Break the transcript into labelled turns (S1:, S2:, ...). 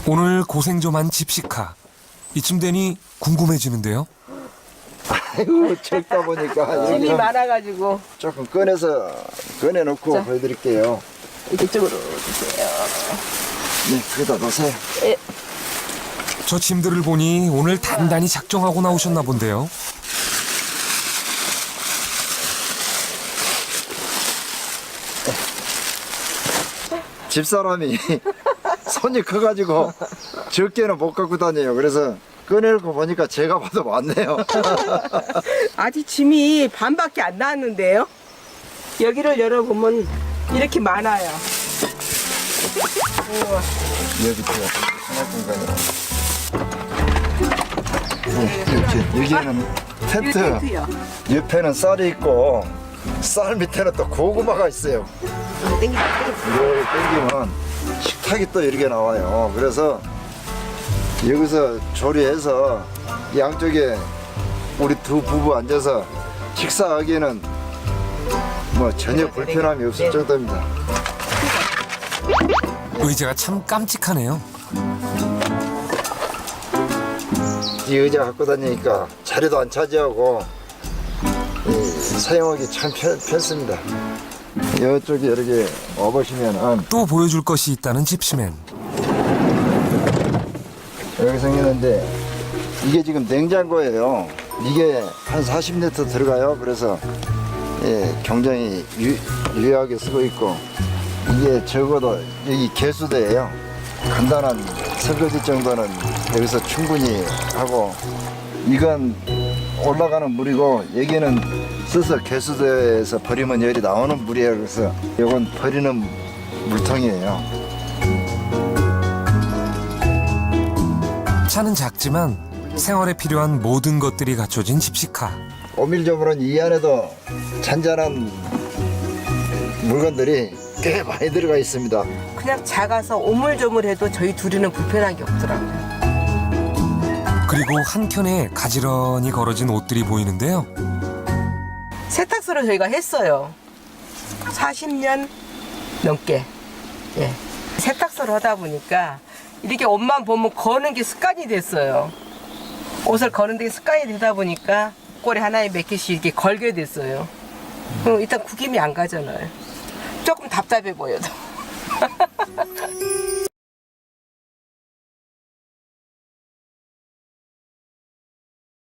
S1: 오늘 고생 좀 한 집시카. 이쯤 되니 궁금해지는데요.
S2: 아이고 적다 보니까
S3: 짐이 많아가지고
S2: 조금 꺼내놓고
S3: 자.
S2: 보여드릴게요.
S3: 이쪽으로 주세요.
S2: 네, 거기다 놓으세요.
S1: 저 짐들을 보니 오늘 단단히 작정하고 나오셨나 본데요.
S2: 집사람이 손이 커가지고 적게는 못 갖고 다녀요. 그래서 꺼내놓고 보니까 제가 봐도 많네요.
S3: 아직 짐이 반밖에 안 나왔는데요. 여기를 열어보면 이렇게 많아요. 우와.
S2: 여기도요. 이렇게 여기에는 텐트,
S3: 텐트요.
S2: 옆에는 쌀이 있고 쌀 밑에는 또 고구마가 있어요.
S3: 땡기다.
S2: 이걸 땡기면 식탁이 또 이렇게 나와요. 그래서 여기서 조리해서 양쪽에 우리 두 부부 앉아서 식사하기에는 뭐 전혀 불편함이 없을 정도입니다.
S1: 의자가 참 깜찍하네요.
S2: 이 의자 갖고 다니니까 자리도 안 차지하고 사용하기 참 편습니다. 이쪽에 이렇게 와보시면은
S1: 또 보여줄 것이 있다는 집시맨.
S2: 여기 생겼는데 이게 지금 냉장고예요. 이게 한 40리터 들어가요. 그래서 굉장히 유효하게 쓰고 있고 이게 적어도 여기 개수대예요. 간단한 설거지 정도는 여기서 충분히 하고 이건 올라가는 물이고 여기는 써서 개수대에서 버리면 열이 나오는 물이에요. 그래서 이건 버리는 물통이에요.
S1: 차는 작지만 생활에 필요한 모든 것들이 갖춰진 집시카.
S2: 오밀조물은 이 안에도 잔잔한 물건들이 꽤 많이 들어가 있습니다.
S3: 그냥 작아서 오물조물해도 저희 둘이는 불편한 게 없더라고요.
S1: 그리고 한켠에 가지런히 걸어진 옷들이 보이는데요.
S3: 세탁소를 저희가 했어요. 40년 넘게. 예. 세탁소를 하다 보니까 이렇게 옷만 보면 거는 게 습관이 됐어요. 옷을 거는 게 습관이 되다 보니까 꼬리 하나에 몇 개씩 이렇게 걸게 됐어요. 일단 구김이 안 가잖아요. 조금 답답해 보여도.